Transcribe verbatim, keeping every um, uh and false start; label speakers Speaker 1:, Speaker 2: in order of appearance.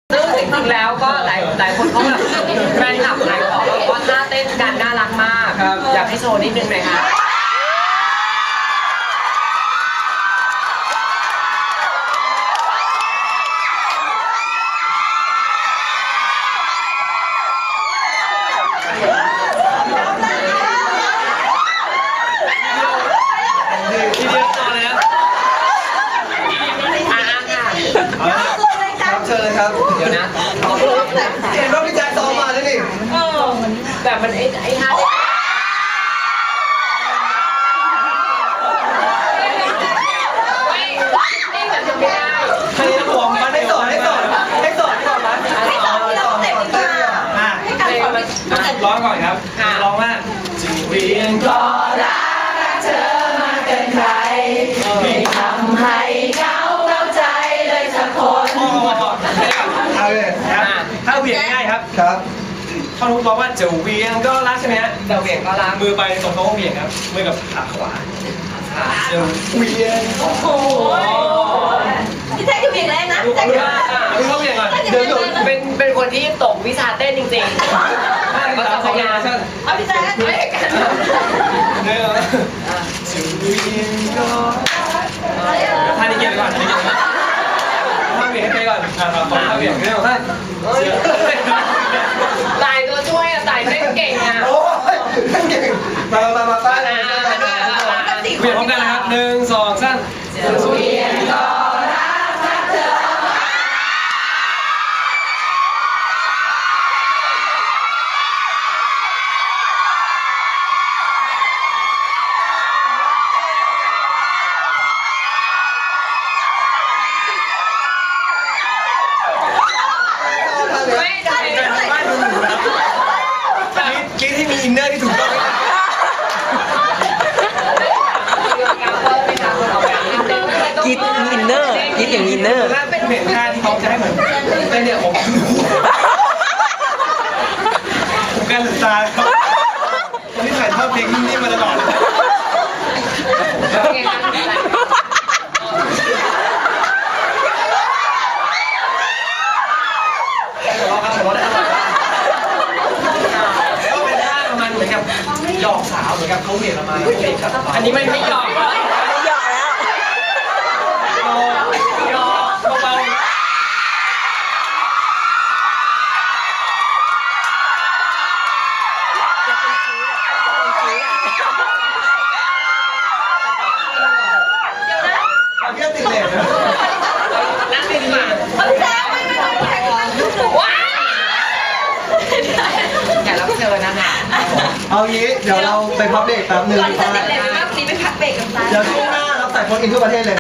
Speaker 1: ซึ่งจริงๆแล้วก็หลายหลายคนเขาแบบแฟนคลับหลายคนบอกว่าท่าเต้นกันน่ารักมากอยากให้โชว์นิดนึงไหมคะ
Speaker 2: ทีเดียวต่อเลยนะ
Speaker 1: อ่าค่ะ
Speaker 2: ครับเชิญเลยครับ
Speaker 1: เดี๋ยวนะ
Speaker 2: เห็นว่าพี่แจ็คซ้อมมาแล้วนี่
Speaker 1: แต่มันไอ้ไอ้ท่าไม่ไม่แบบจะไม่ได้
Speaker 2: ให้ผมมาให้สอนให้สอนให้สอนก่อนนะให้สอนให้สอนให้สอนอ่ะร้องก่อนครับร้องว่าจึงเวียนก็รักเธอมาเกินใครไม่ทำให้เหงาเหงาใจเลยสักคนเอาเลยครับถ้าเวียนง่ายครับครับท่อนฮุกร้องว่าจะเวียนก็รักใช่ไหมฮะ
Speaker 1: จะเหวี่ยงก็รัก
Speaker 2: มือไปตรงโต๊ะเวียนครับมือกับขาขวาจะเวียนโอ้โห
Speaker 3: พี่แจ๊คจะเบี่ยงแรงนะพี่แจ๊คจะ
Speaker 2: มือเขาเวียนก่อนเดี๋ยวเดี๋ยว
Speaker 1: เป็นเป็นคนที่ตกวิชาเต้นจริงๆก็จะพยายาม
Speaker 3: เอาพี่แจ๊คไม่กัน
Speaker 2: เดี๋ยวจะเวียนก็ท่านี้เกี่ยวก่อนท่านี้เกี่ยวก่อนท่าเวียนให้ไปก่อนอ่าขอท่าเวียนเร็วท่าน
Speaker 1: ตายตัวช่วยอะตายเต้นเก่งอะ
Speaker 2: โอ้ยเก่งมามามาป้าเลยเวียนพร้อมกันนะครับหนึ่งสองสามจะเวียนก็รักรักเธอ
Speaker 1: ไม่ได้
Speaker 2: คิดให้มีอินเนอร์ที่ถูกต้อง
Speaker 4: คิดอินเนอร์คิดอย่างอินเนอร์
Speaker 2: ถ้าเป็นเห็นท่าที่เขาจะให้ผมเต้นเนี่ยผมผมการศึกษาครับคนที่ถ่ายทอดเพลงนี่มาตลอดหยอกสาวเหมือนกับเขาเหวี่ยงมาแล้วเด็กครับ
Speaker 1: อันนี้มันไม่หยอกแล้ว
Speaker 4: ไม่หยอกแล้ว
Speaker 2: หยอกเบา
Speaker 4: จะเป็นชี้อ่ะจะเป็นชี้อ่ะ
Speaker 2: เอาแค่ติดเหล็กนะ
Speaker 1: นั่งดีกว่า
Speaker 3: พี่แจ๊คไม่ไม่ไม่พี่แจ๊คจะ
Speaker 1: ว้าวแขกรับเชิญนะคะ
Speaker 2: เอางี้เดี๋ยวเราไปพักเบรกแป๊บนึง
Speaker 3: ก่อนที่จะติดเลยว่าซีไปพักเบรกกับตา
Speaker 2: เดี๋ยวช่วงหน้าเราใส่คนอินทั่วประเทศเลย